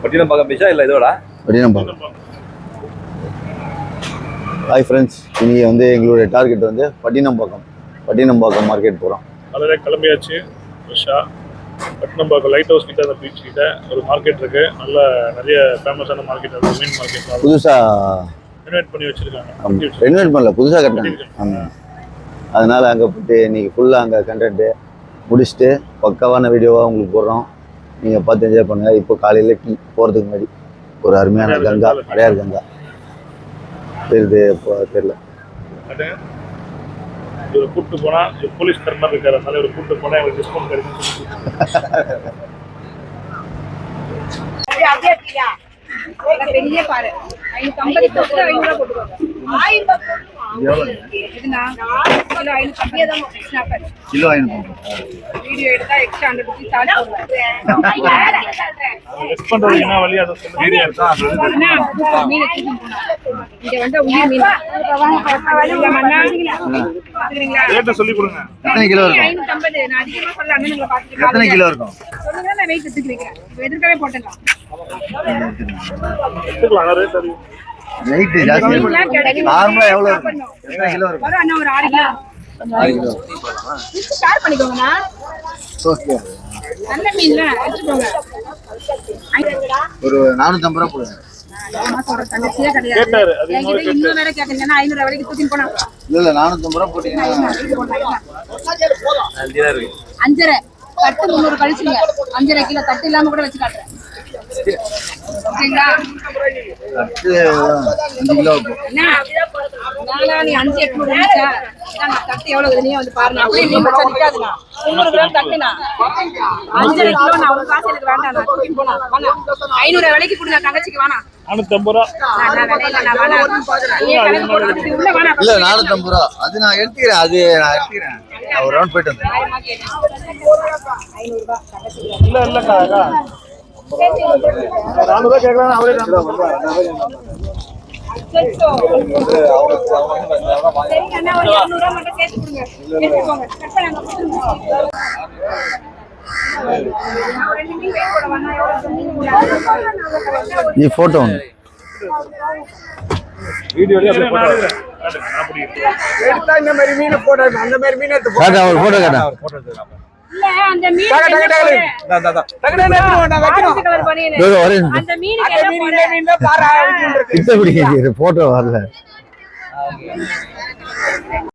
பட்டினப்பாக்கம் பீச்சா இல்லை இதோட Pattinapakkam. Hi friends, இன்னைக்கு வந்து எங்களுடைய டார்கெட் வந்து பட்டினப்பாக்கம் மார்க்கெட் போகிறோம். அதில் கிளம்பியாச்சு. ஃப்ரெஷ்ஷாக பட்டினப்பாக்கம் லைட் ஹவுஸ் கிட்ட அந்த பீச் கிட்ட ஒரு மார்க்கெட் இருக்கு. நல்ல நிறைய ஃபேமஸான மார்க்கெட், அது மீன் மார்க்கெட் புதுசாக ரெனோவேட் பண்ணி வச்சிருக்காங்க. ரெனோவேட் பண்ணல, புதுசாக கட்டினாங்க. ஆமாம், அதனால் அங்கே போய்ட்டு இன்னைக்கு ஃபுல்லாக அங்கே கண்டென்ட்டு முடிச்சுட்டு பக்காவான வீடியோவாக உங்களுக்கு போடுறோம். நீங்கள் பார்த்து என்ஜாய் பண்ணுங்கள். இப்போ காலையில் டீ போகிறதுக்கு முன்னாடி ஒரு அருமையான கங்கா, அடையார் கங்கா தெரியுது, இப்போ தெரியல. இவர் கூப்பிட்டு போனால் போலீஸ் கர்மர் இருக்காரு, அதனால இவர் கூப்பிட்டு போனால் எங்களுக்கு டிஸ்கவுண்ட் கிடைக்கும். பெரிய பாரு 550 500 போட்டுக்கோங்க. 1000 கிலோ 500. வீடியோ எடுத்தா எக்ஸ்ட்ரா 100 ரூபீஸ் சார்ஜ் லெஸ் பண்றது என்ன வழி அதை சொல்லுங்க. மீன் இங்க வந்து உயிர் மீன் ரேட் சொல்லி கொடுங்க. எத்தனை கிலோ இருக்கும்? 550. நான் அதிகமா சொல்ல அண்ணனுங்களை பாத்துட்டு எத்தனை கிலோ இருக்கும் சொல்லுங்க, நான் வெயிட் எடுத்துக்கிறேன். எதிர்க்கவே போட்டுடலாம். ரேட் அறியும். வெயிட் ஜாஸ்தி. நார்மலா எவ்வளவு இருக்கும்? எத்தனை கிலோ இருக்கும்? ஒரு அண்ணா ஒரு 6 கிலோ. 6 கிலோ ஷேர் பண்ணிக்கோங்கண்ணா. ஓகே, நல்ல மீன்ல எடுத்துக்கோங்க. ஒரு 450 ரூபா போடுங்க. தங்கச்சியே கிடையாது. என்கிட்ட இன்னும் வேற கேட்குறீங்கன்னா 500 வரைக்கும் தூக்கிட்டு போனா. இல்ல 450 ரூபா போட்டீங்கன்னா 5.5 தட்டு 300 கழிச்சுங்க. 5.5 கிலோ தட்டு இல்லாம கூட வச்சு காட்டுறேன். ஓகேங்களா? 5 கிலோ இருக்கும். நீ 5 800 இருந்துச்சா? தட்டு எவ்வளவு நீ வந்து பாருங்க. அப்படியே நீ வச்சா நிக்காதுண்ணா. 300 கிராம் தட்டுனா 5.5 கிலோ. நான் ஒரு காசு எனக்கு வேண்டாம். நான் தூக்கிட்டு போனா வாங்க. 500 விலைக்கு கொடுங்க தங்கச்சிக்கு. வேணாம் 450 ரூபா. இல்ல 450 ரூபா. அது நான் எடுத்துக்கிறேன். நான் ஒரு ரவுண்ட் போயிட்டு வந்தேன். இல்ல இல்லக்கா 400 கேட்கலாம். அவரே 400 ఈ ఫోటో ఉంది வீடியோலயே அப்படியே போட்டோ எடுத்தா இந்த மாதிரி மீன் போட்டோ, அந்த மாதிரி மீன் எடுத்து காட்டா, ஒரு போட்டோ காட்டா. போட்டோ எடுத்துக்கலாம். இல்ல அந்த மீன் போட்டோ வரல.